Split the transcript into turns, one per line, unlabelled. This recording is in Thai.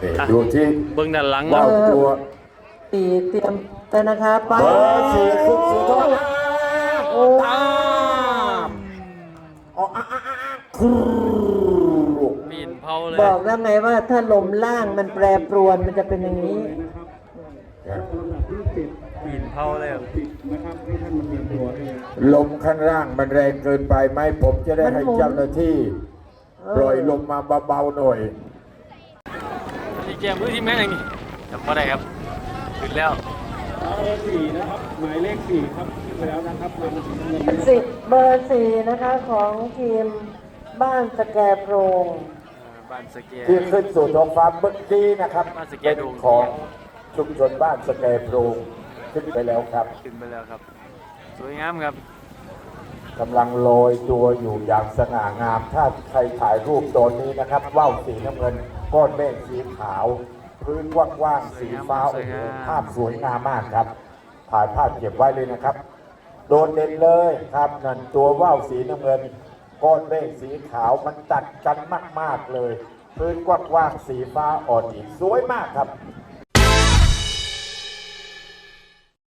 ดูที่
เบื้องด้านหลัง
ว่า
เนาะ
ตัว
ตีเตรียมแต่นะคะไป
เบอร์สี่ขึ้นสู่ท้อง
โอ้
ตามอ๋อครู
ปีนเผาเลย
บอกแล้วไงว่าถ้าลมล่างมันแปรปรวนมันจะเป็นอย่างนี้
ปีนเผาเลย
ลมข้างล่างมันแรงเกินไปไหมผมจะได้ให้เจ้าหน้าที่ปล่อยลมมาเบาๆหน่อย
ที่แกมือที่แม่งนี่จำไม่ได้ครับขึ้นแล้ว
4นะครับหมายเลข4ครับขึ้นไปแล้วนะครับนำสีน้ำเงิน
เบอร์สี่นะคะของทีมบ้านสแกโพรง
บ้านสเกีย
ที่ขึ้นสู่ท้องฟ้าเมื่อกี้นะครับ
บ้านสแก
เป็น
โดง
ของชุมชนบ้านสแกโพรงขึ้นไปแล้วครับ
ขึ้นไปแล้วครับ สวยงามครับ
กำลังลอยตัวอยู่อย่างสง่างาม ถ้าใครถ่ายรูปตอนนี้นะครับว่าวสีน้ำเงินก้อนเมฆสีขาว พื้นกว้างๆสีฟ้า
ส
โอ้
วย
โห
งาม
ภาพสวยงามมากครับถ่ายภาพเก็บไว้เลยนะครับ โดดเด่นเลยครับนั่นตัวว่าวสีน้ำเงินก้อนเมฆสีขาวมันตัดกันมากๆเลย พื้นกว้างๆสีฟ้าอ่อนอีกสวยมากครับ